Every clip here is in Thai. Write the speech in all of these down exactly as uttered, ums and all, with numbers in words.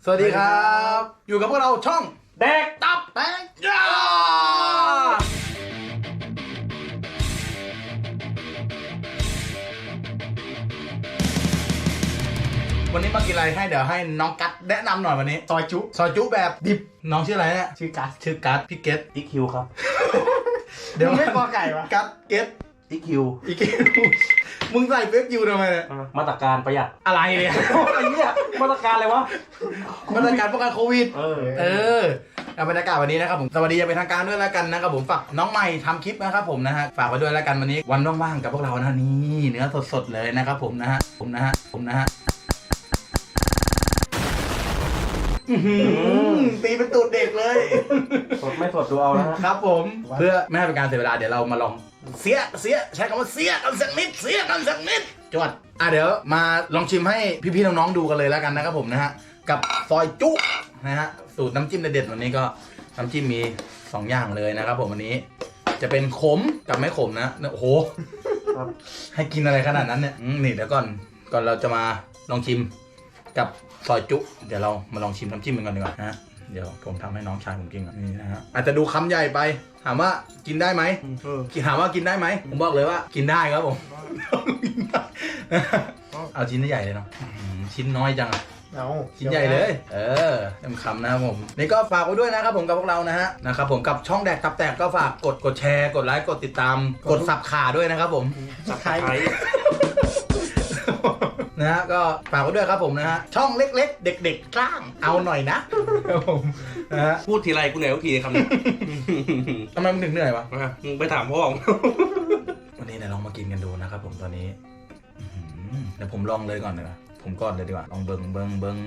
สวัสดีครับอยู่กับพวกเราช่องแดกตับแตกยาวันนี้มากินอะไรให้เดี๋ยวให้น้องกัดแนะนำหน่อยวันนี้ซอยจุซอยจุแบบดิบน้องชื่ออะไรเนี่ยชื่อกัสชื่อกัดพี่เกตอีคิวครับเดี๋ยวไม่พอไก่วะกัดเกตอีคิวอีคิวมึงใส่เฟซยูทำไมเนี่ยมาตรการประหยัดอะไรเนี่ยไอ้เนี่ยมาตรการอะไรวะมาตรการป้องกันโควิดเออเออบรรยากาศวันนี้นะครับผมสวัสดีจะเป็นทางการด้วยแล้วกันนะครับผมฝากน้องใหม่ทำคลิปนะครับผมนะฮะฝากไว้ด้วยแล้วกันวันนี้วันว่างๆกับพวกเรานะนี่เนื้อสดๆเลยนะครับผมนะฮะผมนะฮะผมนะฮะตีเป็นตูดเด็กเลยสดไม่สดดูเอานะครับผมเพื่อไม่ให้เป็นการเสียเวลาเดี๋ยวเรามาลองเสียเสียใช้คำว่าเสียกันสักนิดเสียกันสักนิดจวดอ่ะเดี๋ยวมาลองชิมให้พี่ๆน้องๆดูกันเลยแล้วกันนะครับผมนะฮะกับซอยจุนะฮะสูตรน้ำจิ้มเด็ดๆวันนี้ก็น้ำจิ้มมีสองอย่างเลยนะครับผมวันนี้จะเป็นขมกับไม่ขมนะโอ้โหให้กินอะไรขนาดนั้นเนี่ยนี่เดี๋ยวก่อนก่อนเราจะมาลองชิมกับซอยจุเดี๋ยวเรามาลองชิมน้ำจิ้มกันก่อนดีกว่านะเดี๋ยวผมทำให้น้องชายผมกินก่อนนี่นะฮะอาจจะดูคำใหญ่ไปถามว่ากินได้ไหมถามว่ากินได้ไหมผมบอกเลยว่ากินได้ครับผมเอาชิ้นใหญ่เลยเนาะชิ้นน้อยจังเอาชิ้นใหญ่เลยเออเต็มคำนะครับผมนี่ก็ฝากไว้ด้วยนะครับผมกับพวกเรานะฮะนะครับผมกับช่องแดกตับแตกก็ฝากกดกดแชร์กดไลค์กดติดตามกดสับขาด้วยนะครับผมสับไคร้นะฮะก็ฝากไว้ด้วยครับผมนะฮะช่องเล็กๆเด็กๆกล้างเอาหน่อยนะครับผมนะฮะพูดทีไรกูเหนื่อยทุกทีคำนี้ทำไมมึงถึงเหนื่อยวะมึงไปถามพ่อวันนี้เดี๋ยวลองมากินกันดูนะครับผมตอนนี้เดี๋ยวผมลองเลยก่อนเลยผมก่อนเลยดีกว่าลองเบิงเบิงเบิง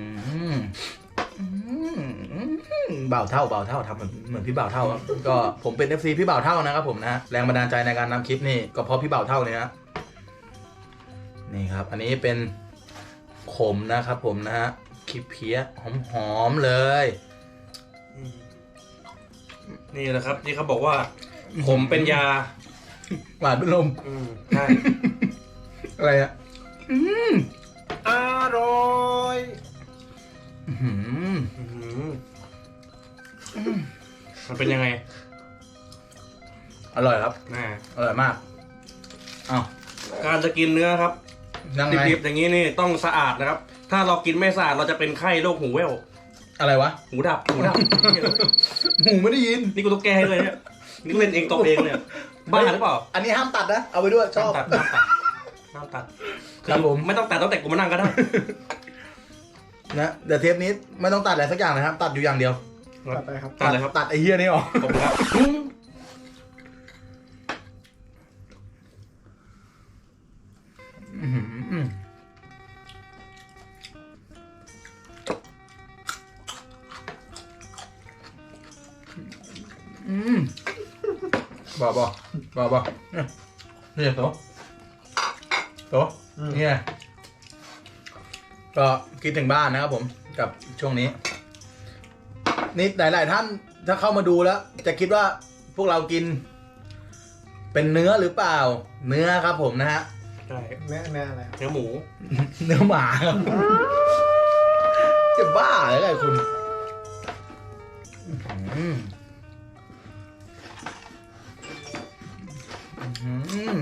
เบาเท่าเบาเท่าทำเหมือนเหมือนพี่เบาเท่าก็ผมเป็น เอฟ ซี พี่เบาเท่านะครับผมนะแรงบันดาลใจในการนำคลิปนี่ก็เพราะพี่เบาเท่าเนี่ยนะนี่ครับอันนี้เป็นขมนะครับผมนะฮะคลิปเพี้ยหอมๆเลยนี่แหละครับที่เขาบอกว่าขมเป็นยาหวานเป็นลมใช่อะไรอ่ะอร่อยมันเป็นยังไงอร่อยครับอร่อยมากอ้าวการจะกินเนื้อครับดิบๆอย่างนี้นี่ต้องสะอาดนะครับถ้าเรากินไม่สะอาดเราจะเป็นไข้โรคหูแว่วอะไรวะหูดับหูดับหูไม่ได้ยินนี่กูต้องแก้ให้เลยเนี่ยนี่เล่นเองตบเองเนี่ยบ้าหรือเปล่าอันนี้ห้ามตัดนะเอาไปด้วยชอบตัดห้ามตัดห้ามตัดครับผมไม่ต้องตัดตั้งแต่กูมานั่งก็ได้นะเดี๋ยวเทปนี้ไม่ต้องตัดอะไรสักอย่างนะครับตัดอยู่อย่างเดียวตัดไปครับตัดเลยครับตัดไอ้เหี้ยนี่ออกขอบคุณครับอืมบ่บ่บ่บ่นี่โตโตนี่ไงก็คิดถึงบ้านนะครับผมกับช่วงนี้นี่หลายๆท่านถ้าเข้ามาดูแล้วจะคิดว่าพวกเรากินเป็นเนื้อหรือเปล่าเนื้อครับผมนะฮะใช่เนื้อเนื้ออะไรเนื้อหมูเนื้อหมาครับจะบ้าเลยไงคุณอืมอืม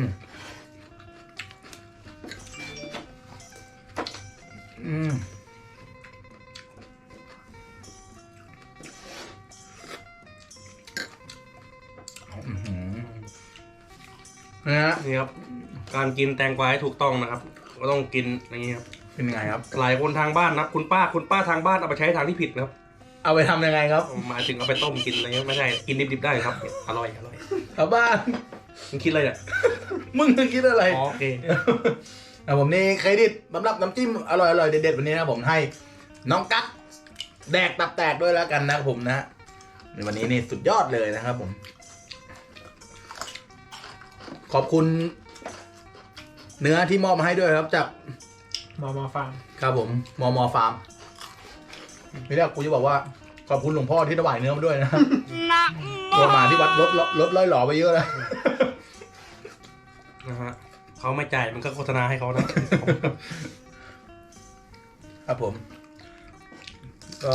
อืมนี่ฮะนี่ครับการกินแตงกวาให้ถูกต้องนะครับก็ต้องกินอย่างนี้ครับเป็นยังไงครับหลายคนทางบ้านนะคุณป้าคุณป้าทางบ้านเอาไปใช้ทางที่ผิดนะครับเอาไปทำยังไงครับหมายถึงเอาไปต้มกินอะไรเงี้ยไม่ใช่กินดิบๆได้ครับอร่อยอร่อยชาวบ้านมึงคิดอะไรเนี่ยมึงคิดอะไรโอเคแต่ผมนี่เครดิตสำหรับน้ำจิ้มอร่อยๆเด็ดๆวันนี้นะผมให้น้องกั๊กแดกตับแตกด้วยแล้วกันนะผมนะในวันนี้นี่สุดยอดเลยนะครับผมขอบคุณเนื้อที่มอบมาให้ด้วยครับจากมอมอฟาร์มครับผมมอมอฟาร์มไม่ได้กูจะบอกว่าขอบคุณหลวงพ่อที่ถวายเนื้อมาด้วยนะตัวหมาที่วัดลดลดร้อยหล่อไปเยอะแล้วนะฮะเขาไม่จ่ายมันก็โฆษณาให้เขานะครับผมกก็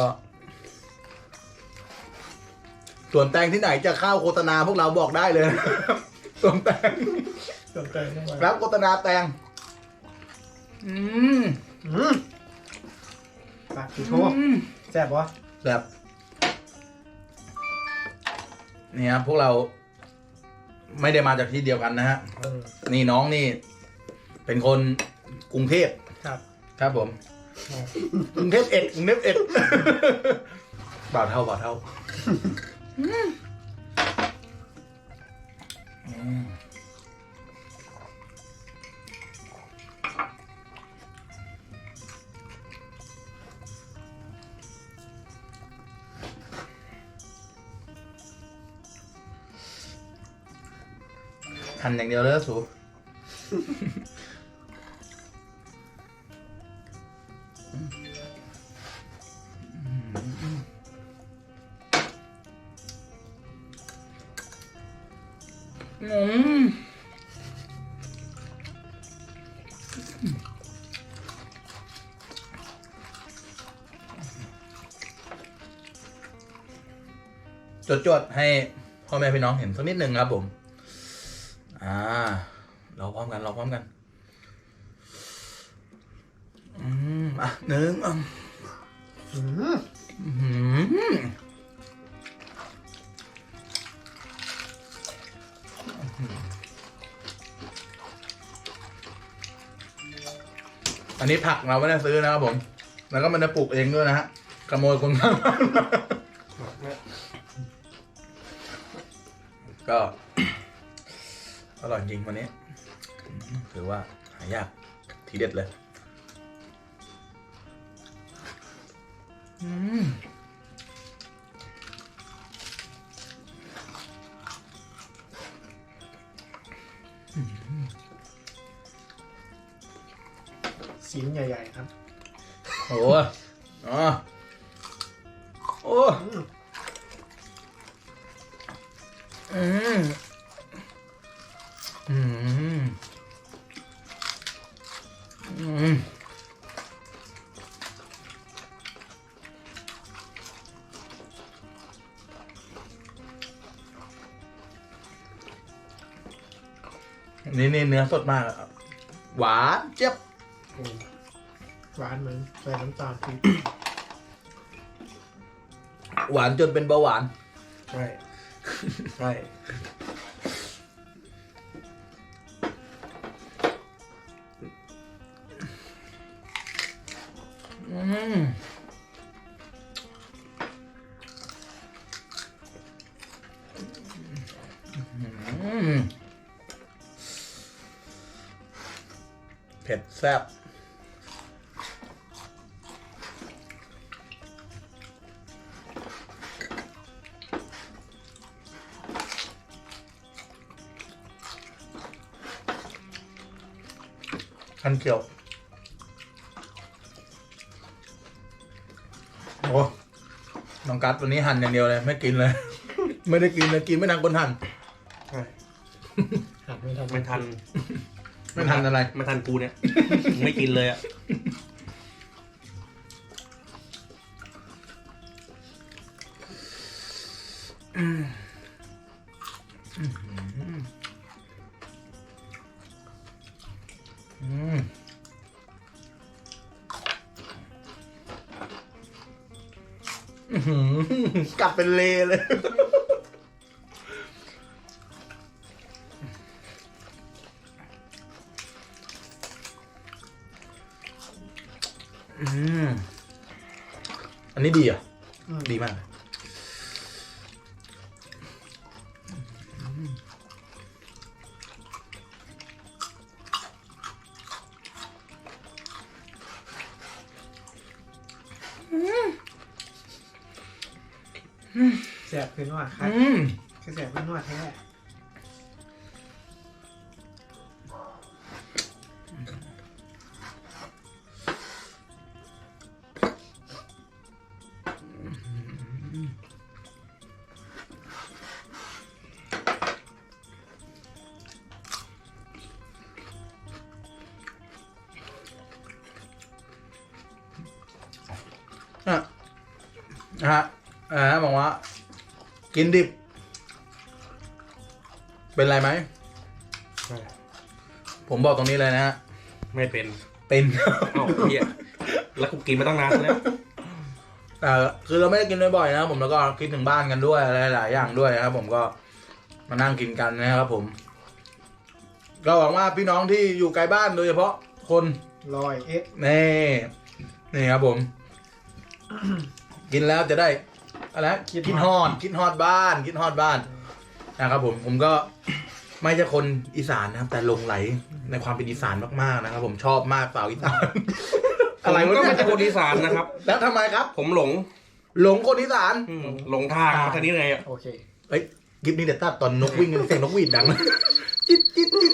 ส่วนแตงที่ไหนจะเข้าโฆษณาพวกเราบอกได้เลย ส่วนแตงส่วนแตงเข้ามารับโฆษณาแตง อืมอืมปากสีโทแซ่บวะแบบนี่ครับพวกเราไม่ได้มาจากที่เดียวกันนะฮะเออนี่น้องนี่ เป็นคนกรุงเทพครับครับผมกรุงเทพเอ็ดกรุงเทพเอ็ด บ่าวเท่าบ่าวเท่าอืมหั่นอย่างเดียวเลยนะสู อืมจดๆให้พ่อแม่พี่น้องเห็นสักนิดหนึ่งครับผม อ่า เราพร้อมกัน เราพร้อมกัน อืม อ่ะหนึ่งอ่ะอืมอืมอันนี้ผักเราไม่ได้ซื้อนะครับผม แล้วก็มันจะปลูกเองด้วยนะฮะ ขโมยคนข้างบ้านมาก็ อร่อยจริงวันนี้ ถือว่าหายากทีเด็ดเลย อืมสีใหญ่ๆครับโอ้อ๋อโอ้อืมอืมอืมนี่นี่เนื้อสดมากอะหวานเจี๊ยบโอ้หวานเหมือนใส่น้ำตาลปี๊บหวานจนเป็นเบาหวานใช่ ใช่อืมอืมเผ็ดแซ่บคันเขียว โอ้น้องกัสวันนี้หั่นอย่างเดียวเลย ไม่กินเลย ไม่ได้กินเลยกินไม่ทันคนหั่นใช่หักไม่ทันไม่ทันไม่ทันอะไรไม่ทันกูเนี่ย ไม่กินเลยอ่ะอืมอืมอื้อหือกลับเป็นเลเลย อืมอันนี้ดีอ่ะอืมดีมากเลยแซ่บขึ้นว่าครับอืมคือแซ่บขึ้นว่าแท้อ่ะนะฮะอ่าบอกว่า กินดิบ เป็นไรไหม ผมบอกตรงนี้เลยนะฮะไม่เป็นเป็นเอ้าเฮียแล้วกูกินมาตั้งนานแล้วแต่คือเราไม่ได้กินบ่อยๆนะครับผมแล้วก็คิดถึงบ้านกันด้วยอะไรหลายอย่างด้วยนะครับผมก็มานั่งกินกันนะครับผม ก็หวังว่าพี่น้องที่อยู่ไกลบ้านโดยเฉพาะคนลอยเอ็กนี่นี่ครับผม กินแล้วจะได้อะไรคิดฮอดคิดฮอดบ้าน คิดฮอดบ้านนะครับผมผมก็ไม่ใช่คนอีสานนะครับ แต่หลงไหลในความเป็นอีสานมากๆนะครับ ผมชอบมากสาวอีสานอะไรวะก็เนี่ยไม่ใช่คนอีสานนะครับแล้วทำไมครับผมหลงหลงคนอีสานอืมหลงทางมาทางนี้ไงอ่ะโอเคเอ้ยคลิปนี้เดี๋ยวตัดตอนนกวิ่งเสียงนกหวีดดัง จิ๊ดจิ๊ดจิ๊ด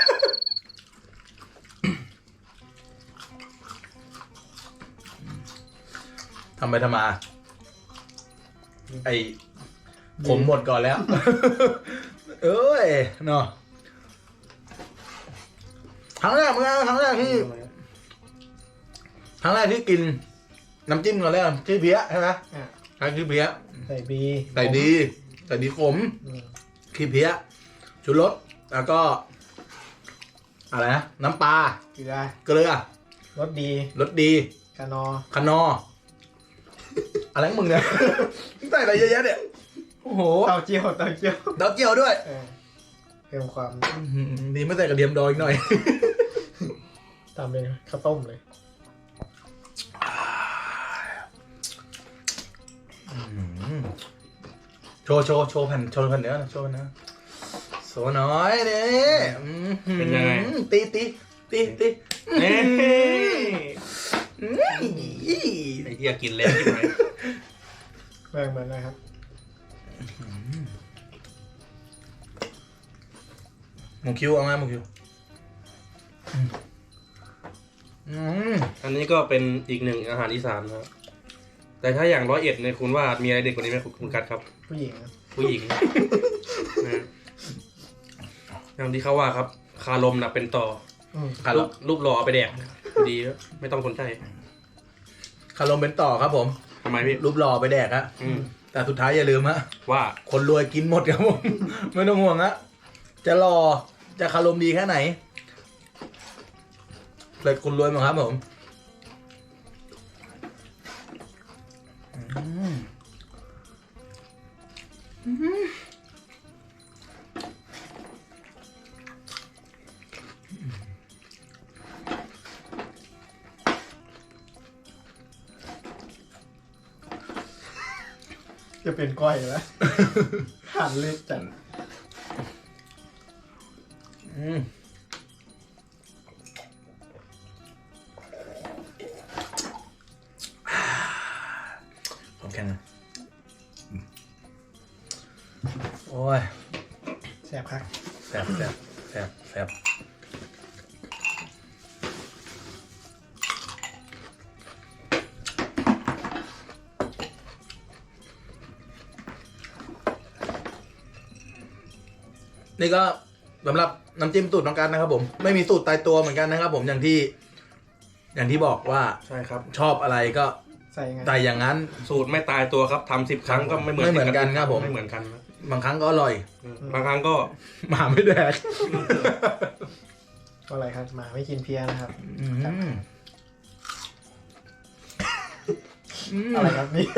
ทำไปทำมา ไอผมหมดก่อนแล้ว เอ้ยเนาะครั้งแรกเมื่อครั้งแรกที่ครั้งแรกที่กิน น้ำจิ้มก่อนแล้วชื่อเพี้ยใช่ไหมอ่ะครั้งชื่อเพี้ยใส่บีใส่ดีใส่ดีขมอืมขี้เพี้ยชูรสแล้วก็ อะไรนะ น้ำปลาเกลือเกลือรสดีรสดีกานอคนอ อะไรของมึงเนี่ย ใส่อะไรเยอะแยะเนี่ย โอ้โหเต้าเจี้ยวเต้าเจี้ยวดอกเจียวด้วยเออเพิ่มความอื้อหือนี่ไม่ใส่กระเทียมดองอีกหน่อยตามเป็นข้าวต้มเลยโชว์โชว์โชว์แผ่นโชว์แผ่นเนื้อหน่อยโชว์แผ่นเนื้อโชว์หน้อยนี่อื้อหือเป็นยังไงตีตีตีตีเอ้ยอื้อไอ้เฮียกินแล้วกินไหมแบ่งเหมือนนะครับหมูคิวเอาไหมหมูคิวอืมอันนี้ก็เป็นอีกหนึ่งอาหารอีสานนะครับแต่ถ้าอย่างร้อยเอ็ดเนี่ยคุณว่ามีอะไรเด็ดกว่านี้ไหมคุณกัดครับผู้หญิงนะผู้หญิง นะอย่างที่เขาว่าครับ คาลมน่ะเป็นต่ออืมคารูรปรูปหล่อเอาไปแดกดีแล้วไม่ต้องสนใจคารมเป็นต่อครับผมทำไมพี่รูปหล่อไปแดกฮะอืมแต่สุดท้ายอย่าลืมฮะว่าคนรวยกินหมดครับผม ไม่ต้องห่วงฮะจะหล่อจะคารมดีแค่ไหนเลยคุณรวยมั้งครับผมอืมอืมจะเป็นก้อยแล้ว หั่นเล็กจัดอืมผมแข็งนะโอ้ยแซ่บครับแสบแสบแสบแสบนี่ก็สำหรับน้ำจิ้มสูตรน้องกันนะครับผมไม่มีสูตรตายตัวเหมือนกันนะครับผมอย่างที่ อย่างที่บอกว่าใช่ครับชอบอะไรก็ใส่ยังไงใส่อย่างนั้นสูตรไม่ตายตัวครับทำสิบครั้งก็ไม่เหมือนไม่เหมือนกันครับผมไม่เหมือนกันนะบางครั้งก็อร่อยบางครั้งก็หมาไม่แดกก็อะไรครับหมาไม่กินเพี้ยนะครับอืมอืมอะไรครับนี่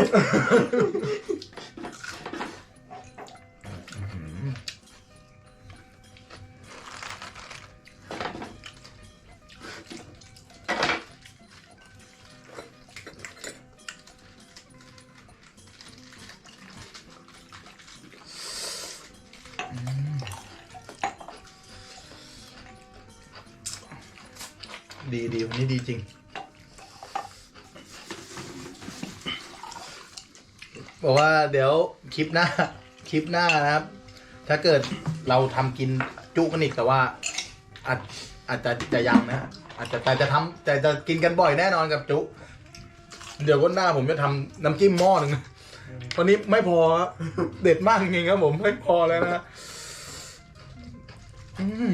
ดีดีวันนี้ดีจริง บอกว่าเดี๋ยวคลิปหน้า คลิปหน้านะครับ ถ้าเกิดเราทำกินจุกันอีกแต่ว่า อาจอาจจะจะยังนะ อาจจะแต่จะทำแต่จะกินกันบ่อยแน่นอนกับจุ เดี๋ยววันหน้าผมจะทำน้ำจิ้มหม้อหนึ่งวันนี้ไม่พอครับเด็ดมากจริงๆครับผมไม่พอแล้วนะอืม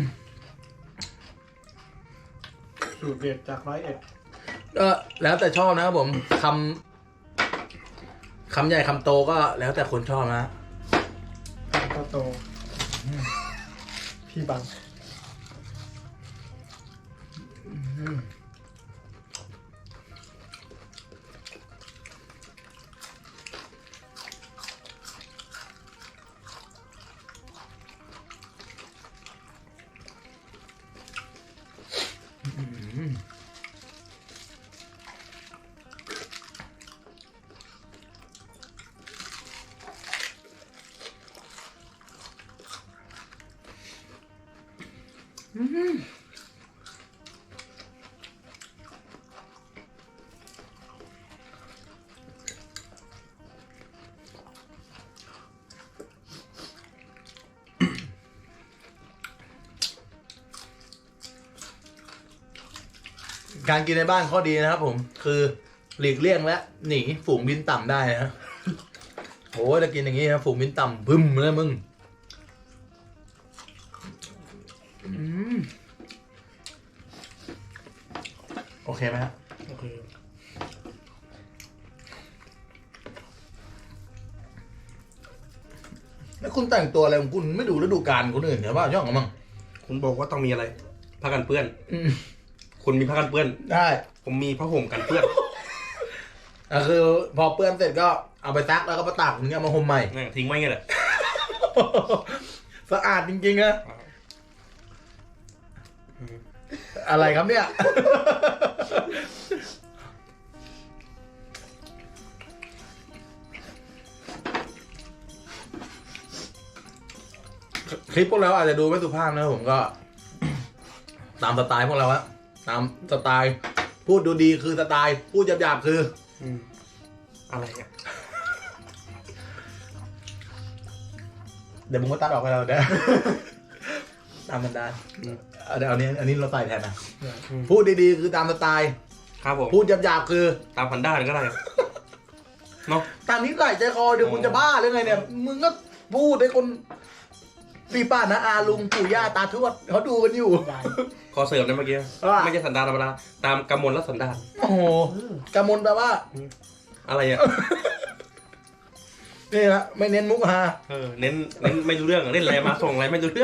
สูตรเด็ดจากร้อยเอ็ดก็แล้วแต่ชอบนะครับผมคคำใหญ่คำโตก็แล้วแต่คนชอบนะโตโตพี่บังการกินในบ้านข้อดีนะครับผมคือหลีกเลี่ยงและหนีฝูงบินต่ำได้นะโอ้ยถ้ากินอย่างนี้นะฝูงบินต่ำบึ้มเลยมึงอืมโอเคไหมครับโอเคแล้วคุณแต่งตัวอะไรของคุณไม่ดูฤดูกาลคนอื่นเหรอว่าย่องกันมั้งคุณบอกว่าต้องมีอะไรผ้ากันเปื้อนอืมคุณมีผ้ากันเปื้อนได้ผมมีผ้าห่มกันเปื้อนอ่ะคือพอเปื้อนเสร็จก็เอาไปซักแล้วก็มาตากถึงเอามาห่มใหม่นี่ทิ้งไว้ไงแหละสะอาดจริงๆนะอะไรครับเนี่ย คลิปพวกเราอาจจะดูไม่สุภาพนะผมก็ ตามสไตล์พวกเราอะตามสไตล์ พูดดูดีคือสไตล์ พูดหยาบๆคืออืมอะไรอ่ะเดี๋ยวมึงก็ตัดออกไปแล้วเด้อ ตามบรรดาอืมเอาเดี๋ยวอันนี้อันนี้เราใส่แทนนะอืมพูดดีๆคือตามสไตล์ครับผมพูดหยาบๆคือตามพันด้านก็ได้เนาะตามนี้ใส่ใจคอเดี๋ยวอ๋อคุณจะบ้าหรือไงเนี่ย มึงก็พูดให้คนพี่ป้านะอาลุงปู่ย่าตาทวดเขาดูกันอยู่ได้ขอเสริมนะเมื่อกี้ว่าไม่ใช่สันดานธรรมดาตามกำมลและสันดานโอ้โหกำมลแปลว่าอะไรอ่ะนี่ละไม่เน้นมุกฮาเออเน้นเน้นไม่รู้เรื่องเล่นอะไรมาส่งอะไรไม่รู้เรื่อง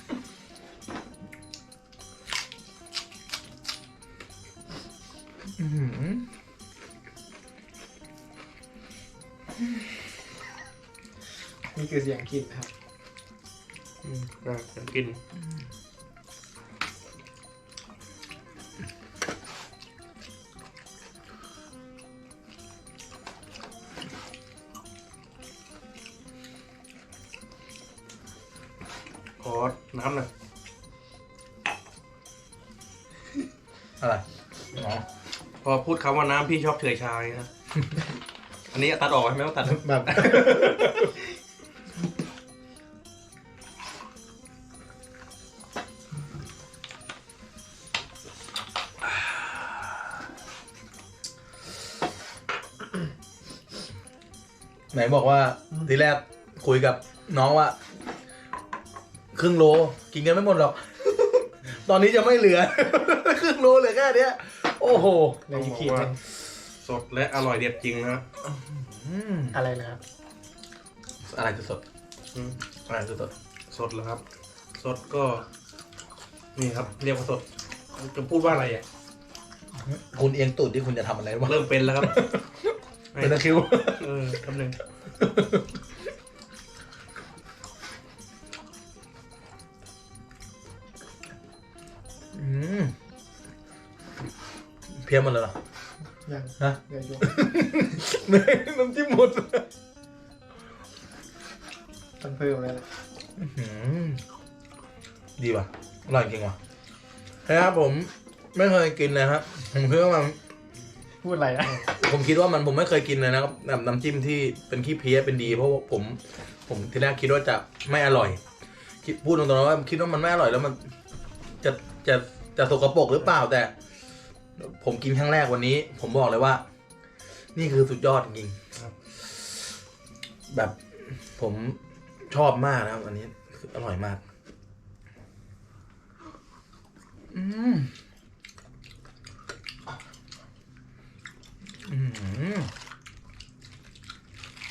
อื้อหือนี่คือเสียงกินครับอืมอ่ะเดี๋ยวกินขอน้ำหน่อยอะไรอ๋อพอพูดคำว่าน้ำพี่ชอบเฉอยชายนะ อันนี้ตัดออกไหมไม่ต้องตัดแบบ ไหนบอกว่าทีแรกคุยกับน้องว่า ครึ่งโลกินกันไม่หมดหรอก ตอนนี้จะไม่เหลือ ครึ่งโลเหลือแค่เนี้ย โอ้โหในอีพีหนึ่งสดและอร่อยเด็ดจริงนะอืมอะไรนะครับอะไรจะสดอืมอะไรจะสดสดเหรอครับ สดก็ นี่ครับ เรียกว่าสด จะพูดว่าอะไรอ่ะคุณเอียงตูดที่คุณจะทำอะไรวะเริ่มเป็นแล้วครับเป็นตะคริวเออคำหนึ่งอืมเพี้ยนหมดเลยเหรอยังฮะเดี๋ยวยกน้ำจิ้มหมดต้องเพิ่มแล้วล่ะอื้อหือดีว่ะอร่อยจริงว่ะนะครับผมไม่เคยกินเลยครับผมคิดว่ามันพูดอะไรอ่ะผมคิดว่ามันผมไม่เคยกินเลยนะครับแบบน้ำจิ้มที่เป็นขี้เพี้ยเป็นดีเพราะว่าผม ผมทีแรกคิดว่าจะไม่อร่อย คิดพูดตรงๆว่าคิดว่ามันไม่อร่อยแล้วมันจะจะจะสกปรกหรือเปล่าแต่ ผมกินครั้งแรกวันนี้ ผมบอกเลยว่า นี่คือสุดยอดจริงๆแบบผมชอบมากนะครับอันนี้คืออร่อยมาก อืมอืม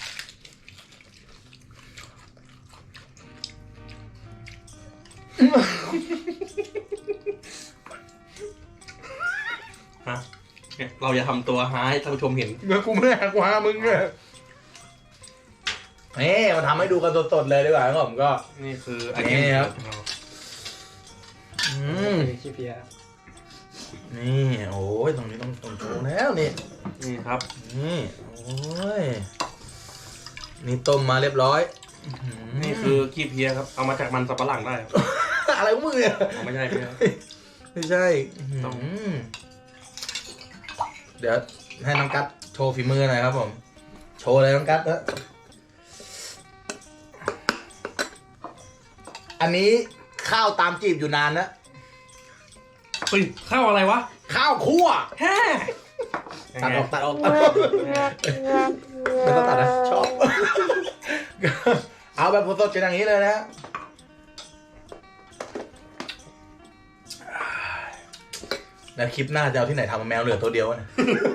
ฮะเนี่ยเราอย่าทำตัวหาให้ท่านผู้ชมเห็นเมื่อกูไม่ได้หักวามึงเนี่ยนี่มาทำให้ดูกันสดๆเลยดีกว่าครับผมก็นี่คือไอนี่เทมครับ อืมขี้เพียนี่โอ้ยตรงนี้ต้องต้องโชว์แล้วนี่นี่ครับนี่โอ้ยนี่ต้มมาเรียบร้อยนี่คือขี้เพียครับเอามาจากมันสับปะหลังได้ครับอะไรของมึงเนี่ยอ๋อไม่ใช่ไม่ใช่ไม่ใช่ต้องอืมเดี๋ยวให้น้องกัดโชว์ฝีมือหน่อยครับผม โชว์เลยน้องกัดนะอันนี้ข้าวตามจีบอยู่นานนะเฮ้ยข้าวอะไรวะข้าวคั่วแฮ่ตัดออกตัดออกตัดออกไม่ต้องตัดนะชอบ เอาแบบสดๆเป็นอย่างนี้เลยนะ แล้วคลิปหน้าจะเอาที่ไหนทำแมวเหลือตัวเดียวนะ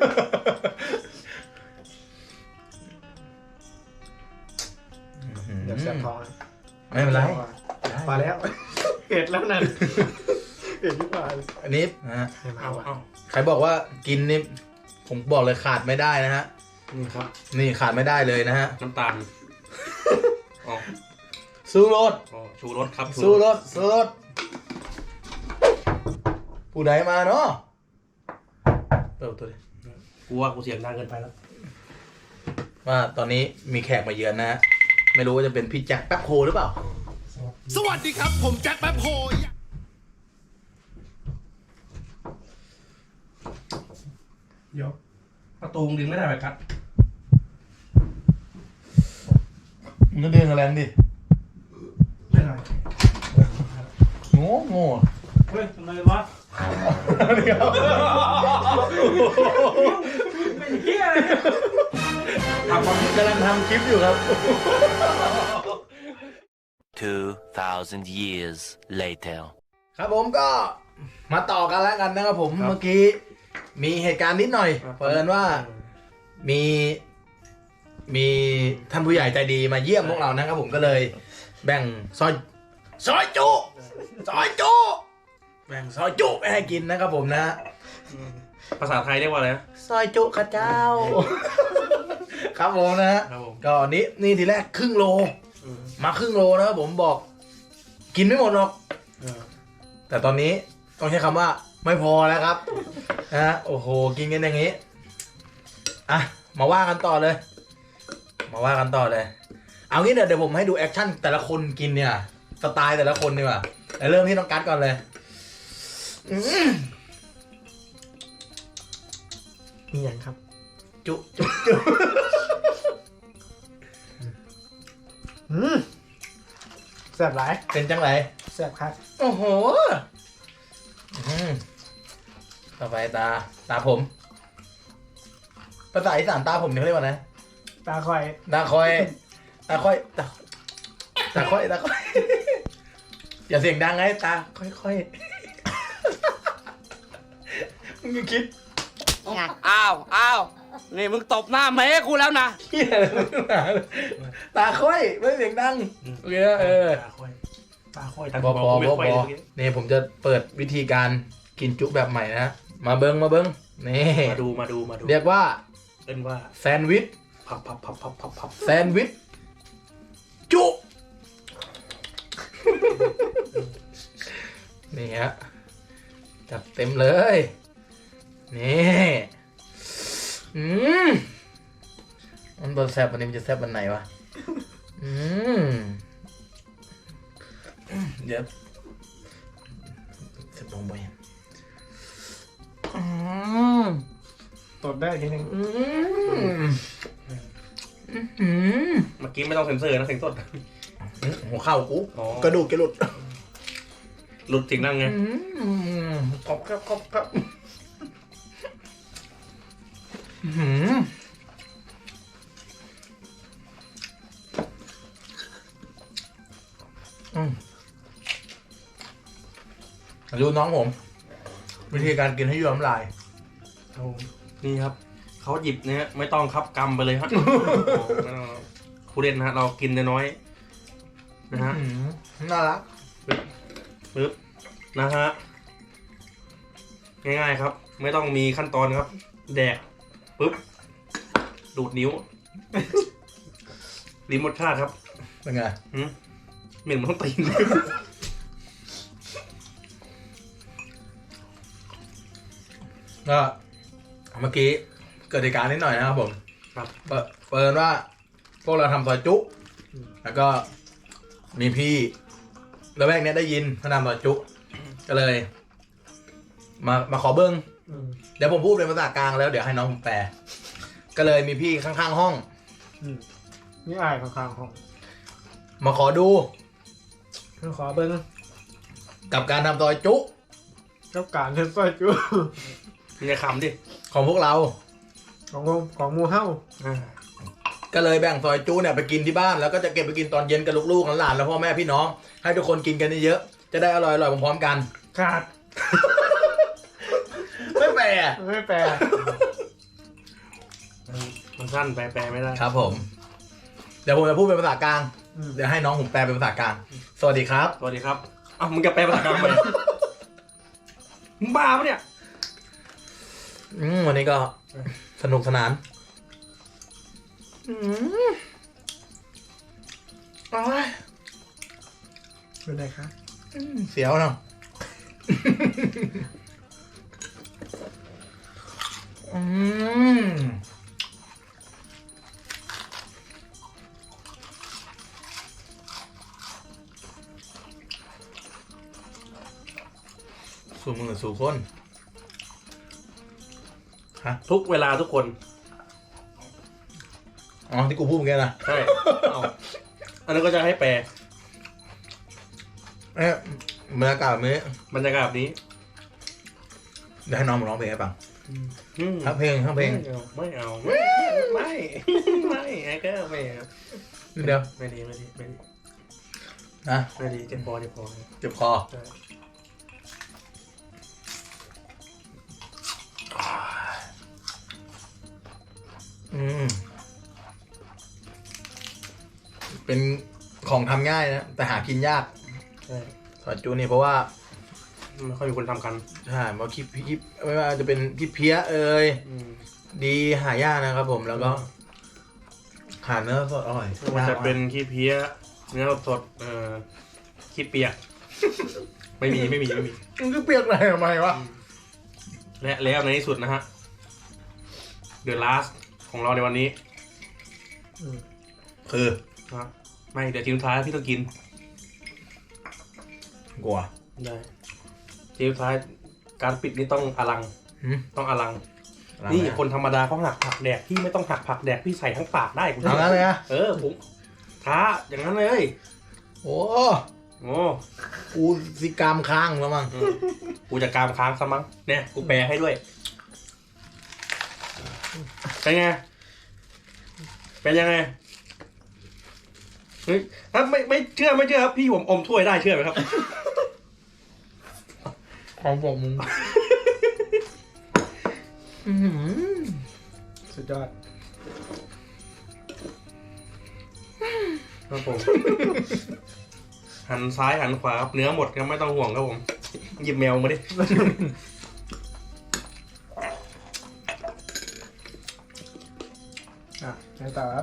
เดี๋ยวแสบท้องไม่เป็นไรมาแล้วเผ็ดแล้วนั่นเผ็ดที่ปลายอันนี้นะฮะเอาเอาใครบอกว่ากินนี่ผมบอกเลยขาดไม่ได้นะฮะนี่ครับนี่ขาดไม่ได้เลยนะฮะน้ำตาลอ๋อสู้รสอ๋อชูรสครับสู้รสสู้รสผู้ใดมาเนาะเปิดประตัวดิกูว่ากูเสียงดังเกินไปแล้วว่าตอนนี้มีแขกมาเยือนนะฮะ ไม่รู้ว่าจะเป็นพี่แจ็คแป๊บโฮหรือเปล่าสวัสดีครับผมแจ็คแป๊บโฮเดี๋ยวประตูมึงดึงไม่ได้ไหมครับมึงก็เดินแรงดิไม่ได้โง่โง่เฮ้ยทำไมวะเดี๋ยวเป็นเฮียอะไรเนี่ยทำกำลังทำคลิปอยู่ครับ two thousand years later ครับผมก็มาต่อกันแล้วกันนะครับผมเมื่อกี้มีเหตุการณ์นิดหน่อยเปิดว่ามีมีท่านผู้ใหญ่ใจดีมาเยี่ยมพวกเรานะครับผมก็เลยแบ่งซอยซอยจุซอยจุแบ่งซอยจุไปให้กินนะครับผมนะภาษาไทยเรียกว่าอะไรนะซอยจุข้าเจ้า ครับผมนะฮะครับผมก็นี้นี่ทีแรกครึ่งโล มาครึ่งโลนะครับผมบอก กินไม่หมดหรอกเออแต่ตอนนี้ต้องใช้คำว่าไม่พอแล้วครับ นะฮะโอ้โหกินกันอย่างนี้อ่ะมาว่ากันต่อเลย มาว่ากันต่อเลย เอางี้เดี๋ยวเดี๋ยวผมให้ดูแอคชั่นแต่ละคนกินเนี่ยสไตล์แต่ละคนดีกว่าแต่เริ่มที่น้องกัดก่อนเลยอืมมีอย่างครับจุจุจุอืมแซ่บหลายเป็นจังไรแซ่บครับโอ้โหอืมต่อไปตาตาผมภาษาอีสานตาผมเนี่ยเขาเรียกว่าไงตาคอยตาคอยตาคอยตาตาคอยตาคอย อย่าเสียงดังไงตาค่อยๆมึงคิดอ้าวอ้าวนี่มึงตบหน้าแม่กูแล้วนะเหี้ยอะไรมึงหนาตาค่อยไม่เสียงดังโอเคนะเออตาค่อยตาค่อยตาบอค่บออยบอไม่บค่ออยเลยนี่ผมจะเปิดวิธีการกินจุแบบใหม่นะมาเบิ้งมาเบิ้งนี่มาดูมาดูมาดูเรียกว่าเป็นว่าแซนด์วิชพับพับพับพับพับพับแซนด์วิชจุ นี่ฮะจัดเต็มเลยนี่อืมมันบนแซบวันนี้มันจะแซบวันไหนวะอืมเดี๋ยวจะลงไปอืมตดได้ทีนึงอืมอืมเมื่อกี้ไม่ต้องเซ็นเซอร์นะเสียงสดหัวเข่ากูอ๋อกระดูกจะหลุดหลุดเสียงดังไงอืมกรอบครับกรอบครับอืมอืมดูน้องผม วิธีการกินให้ย้อมลายครับผมนี่ครับเขาหยิบเนี่ยไม่ต้องครับกำไปเลยฮะ ผู้เล่นนะฮะเรากินน้อยๆนะฮะอืมน่ารักปึ๊บนะฮะง่ายๆครับ ไม่ต้องมีขั้นตอนครับ แดกปึ๊บดูดนิ้ว ลิ้มรสชาติครับเป็นไงหืมเหม็นมันต้องตีนก็เมื่อกี้เกิดเหตุการณ์นิดหน่อยนะครับผมครับเปิดเปิดว่าพวกเราทำซอยจุแล้วก็มีพี่ระแวกเนี้ยได้ยินเขาทำซอยจุก็เลย มามาขอเบิ้งอืมเดี๋ยวผมพูดเป็นภาษากลางแล้วเดี๋ยวให้น้องผมแปล ก็เลยมีพี่ข้างๆห้องอืมนี่อายข้างๆของมาขอดูคือขอเบิ้งกับการทำซอยจุเจ้าการเทสซอยจูมีแต่คำดิของพวกเราของวงของหมูเฮ้าอ่าก็เลยแบ่งซอยจุเนี่ยไปกินที่บ้านแล้วก็จะเก็บไปกินตอนเย็นกับลูกๆหลานๆแล้วพ่อแม่พี่น้องให้ทุกคนกินกันเยอะๆจะได้อร่อยๆพร้อมๆกันขาดไม่แปลไม่แปลมันสั้นแปลแปลไม่ได้ครับผม เดี๋ยวผมจะพูดเป็นภาษากลางอืมเดี๋ยวให้น้องผมแปลเป็นภาษากลาง สวัสดีครับสวัสดีครับอ้าวมึงจะแปลภาษากลางทำไมมึงบ้าปะเนี่ยอืมวันนี้ก็สนุกสนานอืมโอ้ยเป็นไงคะอืมเสียวเนาะอืมสู่มือสู่คนฮะทุกเวลาทุกคนอ๋อที่กูพูดเมื่อกี้นะใช่เอาอันนั้นก็จะให้แปลเอ๊ะบรรยากาศแบบนี้บรรยากาศแบบนี้เดี๋ยวให้น้องมาร้องเพลงให้ฟังอืมทั้งเพลงทั้งเพลงไม่เอาไม่ไม่ไม่ไอ้ก็ไม่เอานิดเดียวไม่ดีไม่ดีไม่ดีนะไม่ดีเจ็บคอเจ็บคอเจ็บคอใช่อืมเป็นของทำง่ายนะ แต่หากินยากใช่ซอยจูนี่เพราะว่าไม่ค่อยมีคนทำกันใช่เพราะคลิปคลิปไม่ว่าจะเป็นคลิปเพี้ยเอ่ยอืมดีหายากนะครับผมแล้วก็หาเนื้อสดอร่อยไม่ว่าจะเป็นขี้เพี้ยเนื้อสดเอ่อขี้เปียก ไม่มีไม่มีไม่มีมันก็เปียกอะไรทำไมวะและแล้วในที่สุดนะฮะ The Last ของเราในวันนี้อืมคือนะไม่เดี๋ยวทีมสุดท้ายพี่ต้องกินกลัวได้ทีมสุดท้ายการปิดนี่ต้องอลังหืมต้องอลังอะไรนี่นะคนธรรมดาเขาหักผักแดกพี่ไม่ต้องหักผักแดกพี่ใส่ทั้งปากได้คุณเอางั้นเลยนะเออผมท้าอย่างนั้นเลยโอ้โอ้กูสิกรรมค้างแล้วมั้งอืมกูจะกามค้างซะมั้งเนี่ยกูแปลให้ด้วยเป็นไงเป็นยังไงเฮ้ยถ้าไม่ไม่เชื่อไม่เชื่อครับพี่ผมอมถ้วยได้เชื่อไหมครับของผมมึง อื้อหือสุดยอดครับผม หันซ้ายหันขวาครับเนื้อหมดครับไม่ต้องห่วงครับผม หยิบแมวมาดิอ่ะไงต่อครับ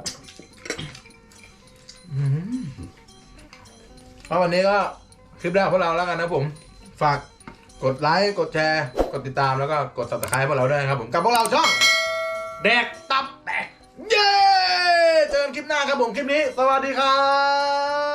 เพราะวันนี้ก็คลิปแรกของพวกเราแล้วกันนะผม ฝากกดไลค์ กดแชร์ กดติดตามแล้วก็กด ซับสไครบ์ พวกเราด้วยนะครับผม กับพวกเราช่องแดกตับแตก เย้ เจอกันคลิปหน้าครับผม คลิปนี้ สวัสดีครับ